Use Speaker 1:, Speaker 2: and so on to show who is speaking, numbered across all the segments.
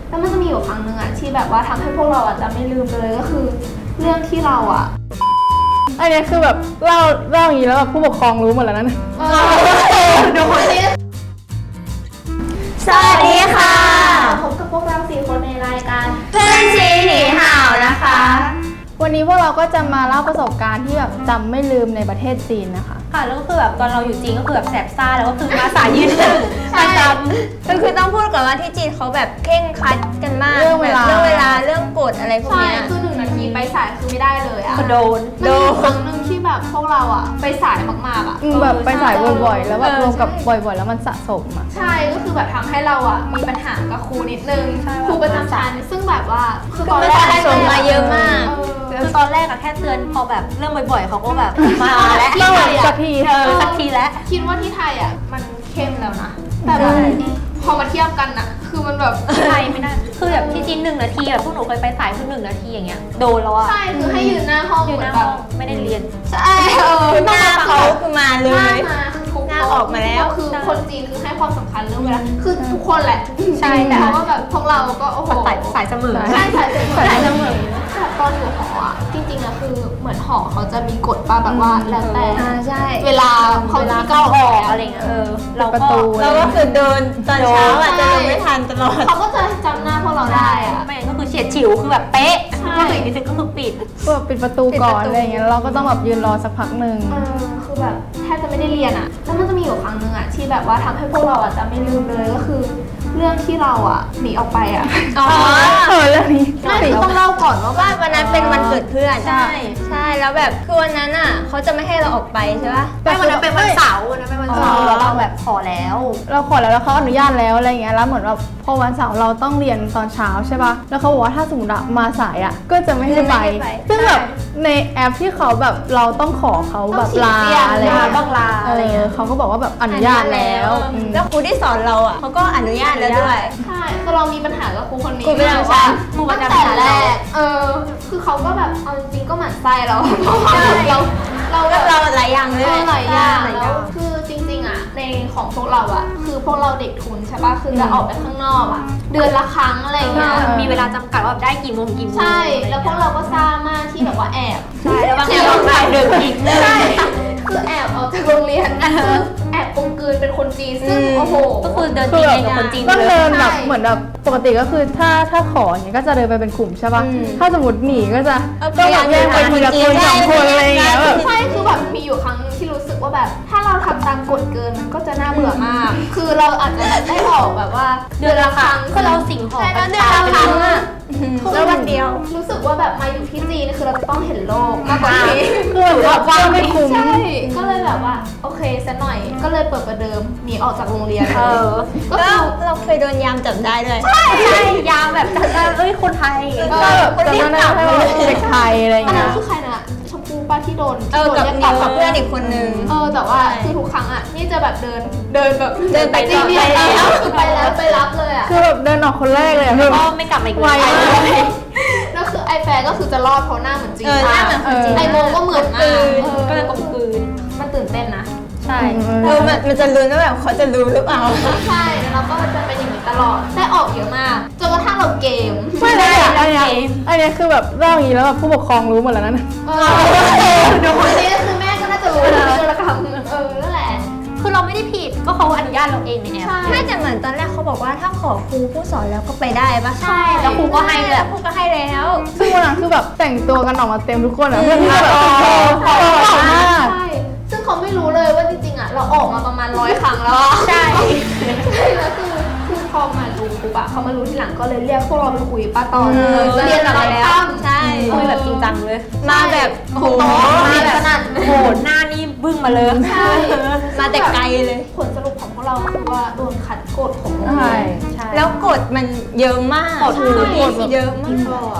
Speaker 1: แล้วมันจะมีอยู่ครั้งหนึ่งอะที่แบบว่าทำให้พวกเราอะจะไม่ลืมเลยก็คือเรื่องที่เราอะ
Speaker 2: อันนี้คือแบบเล่าอย่างนี้แล้วแบบผู้ปกครองรู้หมดแล้วนะ
Speaker 1: ดูคนที่
Speaker 3: สวัสดีค่ะ
Speaker 1: พบกับพวกเรา4 คนในรายการ
Speaker 3: เพื่อนซีหนีห่าวนะคะ
Speaker 2: วันนี้พวกเราก็จะมาเล่าประสบการณ์ที่แบบจำไม่ลืมในประเทศจีนนะคะ
Speaker 4: ค่ะแล้วก็คือแบบตอนเราอยู่จีนก็คือแบบแสบซ่าแล้วก็คือมาสายยืนหนึ่งประจำ
Speaker 3: คือต้องพูดก่อนว่าที่จีนเขาแบบเคร่งครัดกันมาก
Speaker 2: เรื่องเวลา
Speaker 3: เรื่องกฎอะไรพวก
Speaker 1: ใช่
Speaker 3: เนี้ย
Speaker 1: คือ1 นาทีไปสายคือไม่ได้เลยอะ
Speaker 4: โดน
Speaker 1: มันมีครั้งหนึ่งที่แบบพวกเราอะไปสายมากๆอะ
Speaker 2: แบบไปสายบ่อยๆ แล้วแบบรวมกับบ่อยๆ แล้วมันสะสมอ่ะ
Speaker 1: ใช่ก็คือแบบทำให้เราอะมีปัญหากับครูนิดนึงครูประจำชั้นซึ่งแบบว่าคือตอนแรก
Speaker 3: สะสมมาเยอะมาก
Speaker 4: คือตอนแรกอะแค่เตือนพอแบบเรื่องบ่อยๆเขาก็แบบมาแล้ว
Speaker 2: เล่าสักที
Speaker 4: สักทีแล้ว
Speaker 1: คิดว่าที่ไทยอะมันเข้มแล้วนะแต่แบบพอมาเทียบกันอะคือมันแบบ
Speaker 4: ไทยไม่ได้คือแบบที่จีน1 นาทีแบบพวกหนูเคยไปสายคือ1 นาทีอย่างเงี้ยโดนแล้วอะ
Speaker 1: ใช่คือให้ยืนหน้าห้อง
Speaker 4: อยู่
Speaker 1: เห
Speaker 4: ห
Speaker 1: มือ
Speaker 4: น้าน
Speaker 1: แบ
Speaker 4: ห้อบ งไม่ได้เรียน
Speaker 1: ใช่
Speaker 3: หน้าเขาคือมาเล
Speaker 1: หน้าย มาทุก
Speaker 3: หน้าออกมาแล้ว
Speaker 1: คือคนจีนคือให้ความสำคัญเรื่องเวลาคือทุกคนแหละ
Speaker 4: ใช่แต่
Speaker 1: เพราะว่าแบบพวกเราก็โอ้โห
Speaker 4: สายเสมอ
Speaker 1: ใช่สายเสมอแต่ตอนอยู่หออะจริงๆอะคือเหมือนหอเขาจะมีกฎป่ะแบบว่าแล้วแต่
Speaker 3: ใช่
Speaker 1: เวลาเขาจะ
Speaker 4: เข้า
Speaker 1: เข้า
Speaker 4: อ
Speaker 1: อ
Speaker 4: อ
Speaker 1: อก ก
Speaker 4: อะ
Speaker 1: อะไร ไร
Speaker 4: เงี้
Speaker 1: เงี้
Speaker 4: ย
Speaker 1: ย
Speaker 4: เรา
Speaker 2: ประ
Speaker 4: ก็
Speaker 2: ตู
Speaker 3: เราก็คือเดินตอนเช้าอ่ะจะลงไม่ทันตลอด
Speaker 1: เขาก็จะจำหน้าพวกเราได้อะ
Speaker 4: ไม่งั้นก็คือเฉียดฉิวคือแบบเป๊ะ
Speaker 1: ใช่
Speaker 4: ก็คืออีกนิดนึงก็คือปิด
Speaker 2: ก็แบบปิดประตูก่อนอะไรอย่างเงี้ยเราก็ต้องแบบยืนรอสักพักหนึ่ง
Speaker 1: คือแบบแทบจะไม่ได้เรียนอะแล้วมันจะมีอยู่ครั้งหนึ่งอะที่แบบว่าทำให้พวกเราอะจะไม่ลืมเลยก็คือเรื่องที่เราอะหนีออกไปอะ
Speaker 3: อ๋อ
Speaker 2: เรื่องนี้
Speaker 1: ไม่คือต้องเล่าก่อนว่า
Speaker 3: ว่าวันนั้นเป็นวันเกิดเพื่อน
Speaker 4: ใช่
Speaker 3: ใช่แล้วแบบคือวันนั้นอ่ะเขาจะไม่ให้เราออกไปใช่ปะ
Speaker 4: ไม่วันนั้นเป็นวันเสาร์วันนั้นเป็นวันเสาร์แล้วเราแบบขอแล้ว
Speaker 2: เราขอแล้วเขาอนุญาตแล้วอะไรอย่างเงี้ยแล้วเหมือนแบบพอวันเสาร์เราต้องเรียนตอนเช้าใช่ป่ะแล้วเขาบอกว่าถ้าสมมติอะมาสายอะก็จะไม่ให้ไปซึ่งแบบในแอปที่เขาแบบเราต้องขอเขาแบบลาอะไรเงี้ย
Speaker 4: ต้องลาอะไรเงี้ย
Speaker 2: เขาก็บอกว่าแบบอนุญาตแล้วอืม
Speaker 3: แล้วครูที่สอนเราอ่ะเขาก็อนุญาตแล้วด้วย
Speaker 1: ใช่คือเรามีปัญหากับครูคนนี้
Speaker 3: ครูประจำชั้น
Speaker 1: ครูประจำชั้นแรกคือเขาก็แบบเอาจริงๆก็หมั่นไส้เราเพราะว่าเรา
Speaker 3: เราหลายอย่างเลย
Speaker 1: หลายอย่างแล้วคือจริงๆอะในของพวกเราอะคือพวกเราเด็กทุนใช่ป่ะคือจะออกไปข้างนอกอะเดือนละครั้งอะไรเงี้ย
Speaker 4: มีเวลาจำกัดว่าได้กี่โมงกี่โมง
Speaker 1: ใช่แล้วพวกเราก็ซ่ามากที่แบบว่าแอบ
Speaker 4: ใช่แล้วบางทีเราแบบเดินอีก
Speaker 1: ใช่คือแอบออกจากโรงเรียนคือแอบกลมกลืนเป็นคนจีนซึ่งโอ้โห
Speaker 4: ก็คือเดินจีนเองกับคนจีน
Speaker 2: ต้อง
Speaker 4: เล
Speaker 2: เดิ
Speaker 4: ย
Speaker 2: นแบบเหมือนแบบปกติก็คือถ้าขออย่างเงี้ยก็จะเดินไปเป็นกลุ่มใช่ป่ะถ้าสมมติหนีก็จะต้องแบบแยกไปทีละคนสองคนอะไรอย่างเงี้ยแบบ
Speaker 1: ใช่คือแบบมีอยู่ครั้งนึงที่รู้สึกว่าแบบ ถ้าเราทำตามกฎเกินมันก็จะน่าเบื่อมาก คือเราอาจจะได้ออกแบบว่าเดือนละครั้ง
Speaker 4: ก็เราสิ่งของ
Speaker 1: ใช่แล้วเดือนละครั้งอะ
Speaker 3: แล้ววันเดียว
Speaker 1: รู้สึกว่าแบบมาอยู่ที่จีนคือเราจะต้องเห็นโลกมากกว่านี้
Speaker 2: คือแบบว่าไม่คุ้ม
Speaker 1: ใช่ก็เลยแบบว่าโอเคสักหน่อยก็เลยเปิดประเดิมหนีออกจากโรงเรียน ก็
Speaker 3: แล้
Speaker 1: คื
Speaker 3: ว
Speaker 1: อ
Speaker 3: เราเคยโดนยามจับได้ด้วย
Speaker 4: ใช่ยามแบบจัดได้เอ้ยคนไทย
Speaker 2: ก็แบบจำได้ให้ว่าเด็กไทยอะไรอย่าง
Speaker 1: อัน
Speaker 2: เงี้
Speaker 1: นั้น
Speaker 2: ย
Speaker 1: คือใครนะชมพูป้าที่โดน
Speaker 3: กับ
Speaker 1: เรีย
Speaker 3: นิว
Speaker 1: ก
Speaker 3: กับเพื่อนอีกคนนึง
Speaker 1: แต่ว่าคือทุกครั้งอ่ะนี่จะแบบเดินแบบ
Speaker 3: เดินไป
Speaker 1: จริง
Speaker 3: ต่อ
Speaker 1: ๆ
Speaker 3: ไปแล้ว
Speaker 1: คือไปแล้วไปรับเลยอ่ะ
Speaker 2: คือแบบเดินออกคนแรกเลยอะ
Speaker 4: ก็ไม่กลับมาอีก
Speaker 2: ไว
Speaker 4: เลย
Speaker 1: แล้วคือไอแฟร์ก็คือจะรอดเพราะหน้าเหมือนจริง
Speaker 3: หน้าเหมือนคนจีน
Speaker 1: ไอโมก็เหมือนมาก
Speaker 4: ก็เลยกลมกลืน
Speaker 1: มันตื่นเต้นนะ
Speaker 4: ใช่
Speaker 3: มันจะลุ้นว่าแบบเขาจะรู้หรือเปล่า
Speaker 1: ใช่แล้วเราก็จะเป็นอย่างนี้ตลอดได้ออกเยอะมากจนกระทั่งเราเกม
Speaker 2: ไม่เลยอะอันเนี้ยคือแบบเล่าอย่างนี้แล้วแบบผู้ปกครองรู้หมดแล้วนะ
Speaker 1: ดูคนนี้คือแม่ก็น่าจะรู้นะจุลกรรมนั่นแหละ
Speaker 4: คือเราไม่ได้ผิดก็เขาอนุญาตเราเองในแอป
Speaker 1: ใช่
Speaker 3: ไม่แต่เหมือนตอนแรกเขาบอกว่าถ้าขอครูผู้สอนแล้วก็ไปได้ปะ
Speaker 1: ใช่
Speaker 4: แล้วครูก็ให้เลย
Speaker 3: แล้วครูก็ให้แล้ว
Speaker 2: ซึ่งวันนั้นคือแบบแต่งตัวกันออกมาเต็มทุกคนอะเพื่อนที่แบบขอมาก
Speaker 1: ใช่ซึ่งเขาไม่รู้เลยว่าจริงๆอ่ะเราออกมาประมาณ100 ครั้งแล้วอะ
Speaker 4: ใช่
Speaker 1: ใช่แล้วคือพอมารู้ปุ๊บอะเขามารู้ทีหลังก็เลยเรียกพวกเราไปคุยป้าตอนเรียนอะไรตั้ม
Speaker 3: ใช่
Speaker 4: คุยแบบจริงจังเลย
Speaker 3: มาแบบโอ้โห
Speaker 1: มาแบบนั่น
Speaker 4: โหหน้านี่บึ้งมาเลย
Speaker 1: ใช่
Speaker 3: มาแต่ไกลเลย
Speaker 1: ผลสรุปของพวกเราคือว่าโดนขัดกฎของโรง
Speaker 2: ใช่
Speaker 1: เรียน
Speaker 4: ใช่
Speaker 3: แล้วกฎมันเยอะมาก
Speaker 4: กฎคือ
Speaker 3: เยอะมาก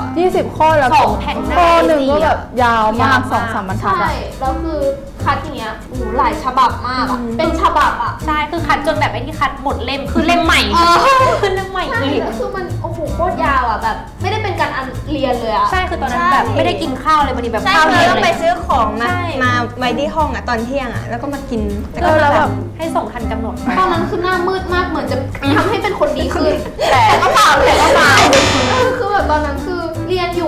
Speaker 2: 20 ข้อแล้ว
Speaker 4: 2 แผ่นหน้า
Speaker 2: ข้อหนึ่งก็แบบยาวมาก
Speaker 4: ยาวมาก
Speaker 2: 2-3 บรรทัด
Speaker 1: ใช่
Speaker 2: อะ
Speaker 1: แล้วคือคัดอย่างเงี้ยหลายฉบับมากอะเป็นฉบับอะ
Speaker 4: ใช่ คือคัดจนแบบไอ้ที่คัดหมดเล่ม คือเล่มใหม่คือเล่มใหม่
Speaker 1: ใช่
Speaker 4: อีก
Speaker 1: แล้วคือมันโอ้โหโคตรยาวอะแบบ ไม่ได้เป็นการเรียนเลยอะ
Speaker 4: ใช่ คือตอนนั้นแบบไม่ได้กินข้าวเลยพอดีแบบ
Speaker 3: ใช่
Speaker 4: ข้าว
Speaker 3: เรา
Speaker 4: เย็น
Speaker 3: ต้อง
Speaker 4: เล
Speaker 3: ไป
Speaker 4: ย
Speaker 3: ซื้อของมา
Speaker 4: ใช่
Speaker 3: มาไว้ที่ห้องอ่ะตอนเที่ยงอ่ะแล้วก็มากิน
Speaker 2: แล้วแบบ
Speaker 4: ให้ส่งทันกำหนด
Speaker 1: ตอนนั้นคือหน้ามืดมากเหมือนจะทำให้เป็นคนดีขึ้น แต่ก็เปล่าแต่ก็เปล่า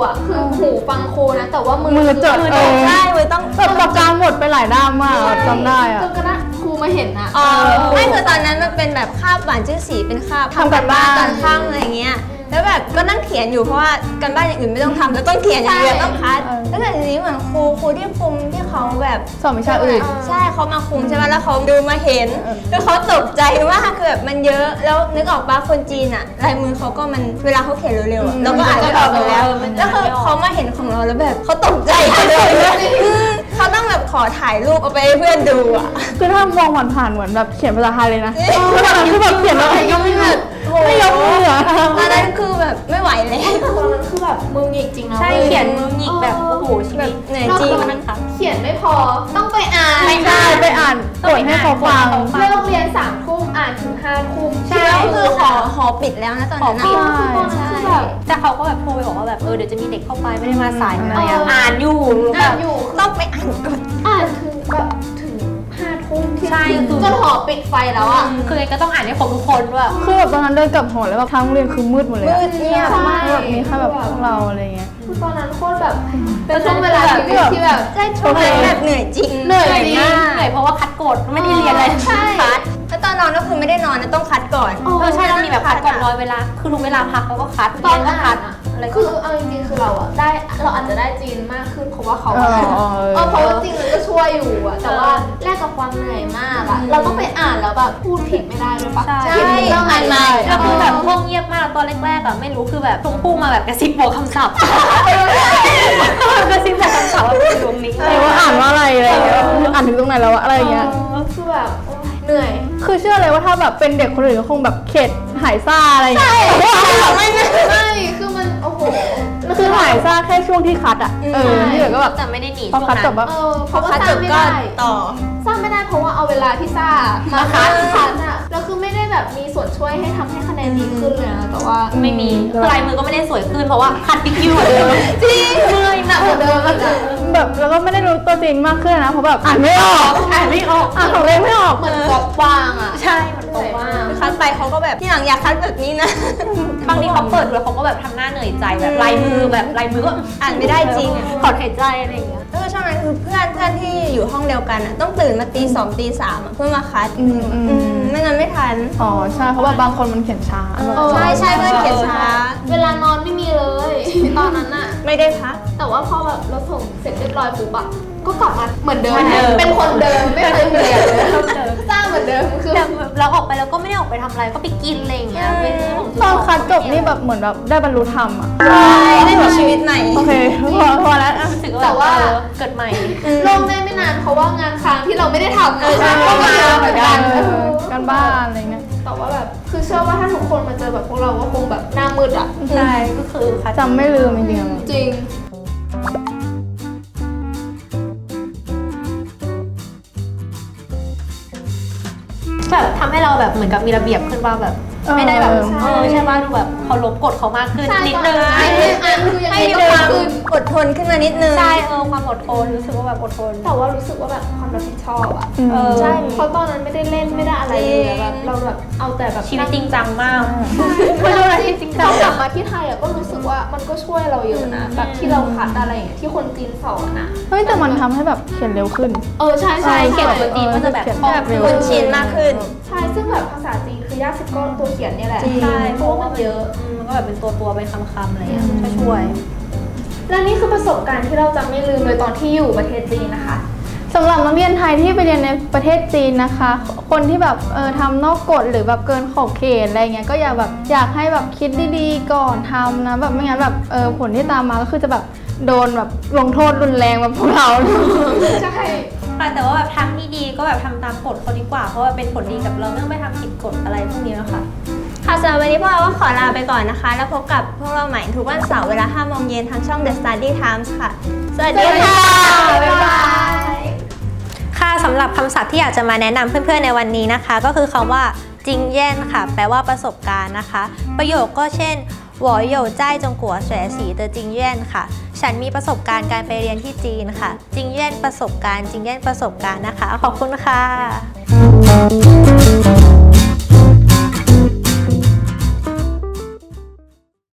Speaker 1: อ่ะคือหูฟังครูนะแต่ว่ามื
Speaker 2: มือจด
Speaker 1: คือ
Speaker 3: ใช่มือต้อง
Speaker 2: แบบปากกาหมดไปหลายด้ามมากจำได้อะ
Speaker 1: จนกระทั่งครูมาเห็นอ่ะ
Speaker 3: ไม่คือตอนนั้นมันเป็นแบบคาบหวานชื่อสีเป็นคาบ
Speaker 2: ทำกันบ้าน
Speaker 3: ตอนค่ำอะไรเงี้ยแล้วแบบก็นั่งเขียนอยู่เพราะว่ากันบ้านอย่างอื่นไม่ต้องทำแล้วต้องเขียนอย่างเดียวต้องคัดแล้วแต่ทีนี้เหมือนครูที่คุมที่เขาแบบ
Speaker 2: สอนวิชาอื่น
Speaker 3: ใช่เขามาคุมใช่ไหมแล้วเขาดูมาเห็นแล้วเขาตกใจมากคือแบบมันเยอะแล้วนึกออกปะคนจีนอะลายมือเขาก็มันเวลาเขาเขียนเร็วๆอะเราก็อ่านไม่ออกอยู่แล้วแล้วคือเขามาเห็นของเราแล้วแบบเขาตกใจเลยเขาต้องแบบขอถ่ายรูปเอาไปให้เพื่อนดูอะ
Speaker 2: คือถ้ามองผ่านๆเหมือนแบบเขียนภาษาไทยเลยนะคือตอนนั้นคือแบบเขียนอะไรก็ไม่แบบไม่ยกมืออะ
Speaker 3: ตอนนั้นคือแบบไม่ไหวแล้ว
Speaker 1: ตอนนั้นคือแบบมือหงิกจริงนะ
Speaker 4: ใช่
Speaker 1: ว้
Speaker 4: เขียนมือหงิกแบบโอ้โหชีวิต
Speaker 3: เหนื่อย
Speaker 1: นอก
Speaker 3: จริง
Speaker 1: จากเขียนไม่พอต้องไปอ่าน
Speaker 2: ใช่ไปอ่านกดให้เขาฟัง
Speaker 1: เลิกเรียน3 ทุ่มอ่านถึง5 ทุ่ม
Speaker 3: ใช่แล้วคือหอปิดแล้วนะตอนนั้น
Speaker 1: จริง
Speaker 3: อะ
Speaker 1: คือตอนนั้นคือแบบ
Speaker 4: แต่เขาก็แบบโทรไปบอกว่าแบบเดี๋ยวจะมีเด็กเข้าไปไม่ได้มาสายนะ
Speaker 1: เออ
Speaker 4: อ่านอยู่แบ
Speaker 1: อ่าน
Speaker 4: บ
Speaker 1: อยู่
Speaker 3: ต้องไปอ่านก่อน
Speaker 1: อ่านถึงแบบถึง5 ทุ่มที่
Speaker 4: ใช่
Speaker 1: จนหอปิดไฟแล้วอ่ะ
Speaker 4: คือไงก็ต้องอ่านให้ครบทุกคนด้วย
Speaker 2: คือแบบตอนนั้นเดินกลับหอแล้วแบบทั้งโรงเรียนคือมืดหมดเลย
Speaker 3: มื
Speaker 2: อะ
Speaker 3: ดเงียบ
Speaker 1: ใช่
Speaker 3: มาก
Speaker 2: แบบมีแค่แบบพวกเราอะไรเงี้ย
Speaker 1: คือตอนนั้นโคตรแบบเป็นช่วงเวลาชีวิตที่แบบ
Speaker 3: ใช่ช่วงนั้นแบบเหนื่อยจริง
Speaker 1: เหนื่อยจริง
Speaker 4: เหนื่อยเพราะว่าคัดกฎไม่ได้เรียนอะไร
Speaker 1: ใช่
Speaker 4: คัด
Speaker 3: แล้วตอนนอนก็คือไม่ได้นอนนะต้องคัดก่อน
Speaker 4: ใช่แล้วมีแบบคัดก่อนร้อยเวลาคือรู้เวลาพักแล้วก็คัด
Speaker 1: ตอน
Speaker 4: เรียก็
Speaker 1: อ่า
Speaker 4: คั
Speaker 1: น
Speaker 4: ด
Speaker 1: อะ
Speaker 4: อะไรก็
Speaker 1: คือเอาจริงๆคือเราอะได้เราอาจจะได้จีนมากขึ้นเพราะว่าเขา
Speaker 2: เออ
Speaker 1: เพราะว่าจริงมันก็ช่วยอยู่อะแต่ว่าแลกกับความเหนื่อยมากอะเราต้องไปอ่านแล้วแบบพูดผิดไม่ได้เลยปะ
Speaker 4: ใช่
Speaker 1: ผิดต้องอ่านใหม่
Speaker 4: แล้วคือแบบห้องเงียบมากตอนแรกๆอะไม่รู้คือแบบชมพู่มาแบบกระซิบบอกคำศัพท์กระซิบบอกคำศัพท์ว่าเป็นตรงนี้
Speaker 2: แต่ว่าอ่านว่าอะไรอะไรเงี้ยอ่านถึงตรงไหนแล้วอะอะไรเงี้ย
Speaker 1: คือแบบโอ๊ยเหนื่อย
Speaker 2: คือเชื่อเลยว่าถ้าแบบเป็นเด็กคนอื่นก็คงแบบเข็ดหายซ่าอะไรอย่างเงี้ย
Speaker 1: ไม่คือมันโอ้โห
Speaker 2: คือหายซ่าแค่ช่วงที่คัดอ่ะที่เหลือก็แบบ
Speaker 4: แต่ไม่ได้หนี
Speaker 2: พอ
Speaker 4: ช่วง
Speaker 2: คัด
Speaker 4: นั้น
Speaker 2: จบแบบ
Speaker 1: เพราะว่า
Speaker 3: คัด
Speaker 1: ส
Speaker 3: จ
Speaker 1: ร้าง
Speaker 3: บ
Speaker 1: ไม่
Speaker 3: ก็
Speaker 1: ได้
Speaker 3: ต่อ
Speaker 1: สร้างไม่ได้เพราะว่าเอาเวลาที่ซ่ามาคัดอะแล้วคือไม่ได้แบบมีส่วนช่วยให้ทำให้คะแนนดีขึ้นเลยนะแต่ว่า
Speaker 4: ไม่มีคือลายมือก็ไม่ได้สวยขึ้นเพราะว่าคัดติ๊กคิวเหมือนเดิม
Speaker 1: จริงเลยหนักกว่าเดิมอะ
Speaker 2: แบบแล้วก็ไม่ได้รู้ตัวจริงมากขึ้นนะเพราะแบบอ่านไม่ออก
Speaker 4: อ่านไม่ออก
Speaker 2: อ่านของเล่นไม่ออก
Speaker 1: เหมือนกรอบวางอะ
Speaker 4: ใช่มัน
Speaker 1: เห
Speaker 4: ต
Speaker 1: นื่
Speaker 4: ร
Speaker 1: อย
Speaker 4: งว่าม
Speaker 1: าก
Speaker 3: คัดไปเขาก็แบบที่หลังอยากคัดแบบนี้นะ
Speaker 4: บางทีเขาเปิดดูแล้วเขาก็แบบทำหน้าเหนื่อยใจแบบลายมือแบบลายมือก็
Speaker 3: อ่านไม่ได้จริงอะ
Speaker 4: ถอนหายใจอะไรอย่างเงี้ย
Speaker 3: แล้วก็ช่วงนั้นคือเพื่อนที่อยู่ห้องเดียวกันอะต้องตื่นมาตี 2ตี 3อะเพื่อมาคัดไม่งั้นไม่ทัน
Speaker 2: อ๋อใช่เพราะว่าบางคนมันเขียนช้า
Speaker 3: ใช่ใช่เพื่อนเขียนช้า
Speaker 1: เวลานอนไม่มีเลย ตอนนั้นอะ
Speaker 3: ไม่ได้พัก
Speaker 1: แต่ว่าพอแบบเราส่งเสร็จเรียบร้อยปุ๊บอะก็กลับมาเหมือนเดิม
Speaker 4: เหมือนเดิม
Speaker 1: เป็นคนเดิมไม่เคยเปลี่ยนเลยสร้างเหมือนเดิมคือ
Speaker 4: แต่แบบเราออกไปแล้วก็ไม่ได้ออกไปทำอะไรก็ไปกินอะไรอย่างเงี้ยเป็นเรื่องของ
Speaker 2: ตอนคัดจบนี่แบบเหมือนแบบได้บรรลุธรรมอ่ะ
Speaker 3: ได้มีชีวิตใหม่
Speaker 2: โอเคพอแล้วอ่ะ
Speaker 4: รู้สึกว่าแบบเกิดใหม่
Speaker 1: โล่งได้ไม่นานเพราะว่างานค้างที่เราไม่ได้ทำ
Speaker 2: ใช่
Speaker 1: ก็มาเยอะเหมือนกัน
Speaker 2: การบ้านอะไรเงี้ย
Speaker 1: แต่ว่าแบบคือเชื่อว่าถ้าทุกคนมาเจอแบบพวกเราก็คงแบบหน้ามืดอะ
Speaker 4: ใช่ก็คือคัด
Speaker 2: จำไม่ลืมจริง
Speaker 1: จริง
Speaker 4: แบบทำให้เราแบบเหมือนกับมีระเบียบขึ้นว่าแบบไม่ได้แบบใช่ป่ะดูแบบเคารพกฎเขามากขึ้นนิดนึง
Speaker 1: นิดนึงอ่ะคือยังไง
Speaker 3: ให้
Speaker 1: ก็
Speaker 3: ความ
Speaker 1: ขึ้น
Speaker 3: อดทนขึ้นมานิดนึง
Speaker 4: ใช่ความอดทนรู้สึกว่าแบบอดทน
Speaker 1: แต่ว่ารู้สึกว่าแบบความรับผิดชอบอะ
Speaker 2: ใช่
Speaker 1: เพราะตอนนั้นไม่ได้เล่นไม่ได้อะไรเลยอะแบบเราแบบเอาแต่แบบ
Speaker 4: ชีวิตจริงจังมาก
Speaker 1: ไม่รู้อะไรจริงๆเรากลับมาที่ไทยอะก็รู้สึกว่ามันก็ช่วยเราเยอะนะแบบที่เราคัดอะไรอย่างเงี้ยที่คนจีนสอนอะ
Speaker 2: เฮ้ยแต่มันทำให้แบบเขียนเร็วขึ้น
Speaker 1: ใช่ใช่
Speaker 4: เขียนกับคนจีนก็จะแบบคล่องขึ้น
Speaker 3: คุ้นชินมากขึ้น
Speaker 1: ใช่ซึ่งแบบภาษาจีนคือยากสุดก็ตัวเขียนเนี่ยแหละ
Speaker 4: ใช่
Speaker 1: เพราะว่ามันเยอะ
Speaker 4: มันก็แบบเป็นตัวเป็นคำๆอะไรเงี้ยช่วย
Speaker 1: และนี่คือประสบการณ์ที่เราจะไม่ลืมเลยตอนที่อยู่ประเทศจีนนะคะ
Speaker 2: สำหรับนักเรียนไทยที่ไปเรียนในประเทศจีนนะคะ คนที่แบบทำนอกกฎหรือแบบเกินขอบเขตอะไรเงี้ยก็อยากให้แบบคิดดีๆก่อนทำนะแบบไม่งั้นแบบผลที่ตามมาก็คือจะแบบโดนแบบลงโทษรุนแรงแบบพวกเรา
Speaker 1: ใช่
Speaker 4: แต่ว่าแบบทำที่ดีก็แบบทำตามกฎเขาดีกว่าเพราะว่าเป็นผลดีกับเราไม่ต้องไปทำผิดกฎอะไรพวกนี้นะคะ
Speaker 3: ค่ะสำหรับวันนี้พวกเราก็ขอลาไปก่อนนะคะ แล้วพบกับพวกเราใหม่ทุกวันเสาร์เวลา 5 โมงเย็นทางช่อง The Study Times ค่ะ สวัสดีค่ะ บ๊ายบาย
Speaker 5: ค่ะสำหรับคำศัพท์ที่อยากจะมาแนะนำเพื่อนๆในวันนี้นะคะ ก็คือคำว่าจิงเย่นค่ะแปลว่าประสบการณ์นะคะ ประโยคก็เช่น我有在中国学习的经验ค่ะฉันมีประสบการณ์การไปเรียนที่จีนค่ะจิงเย่นประสบการณ์จิงเย่นประสบการณ์นะคะขอบคุณค่ะ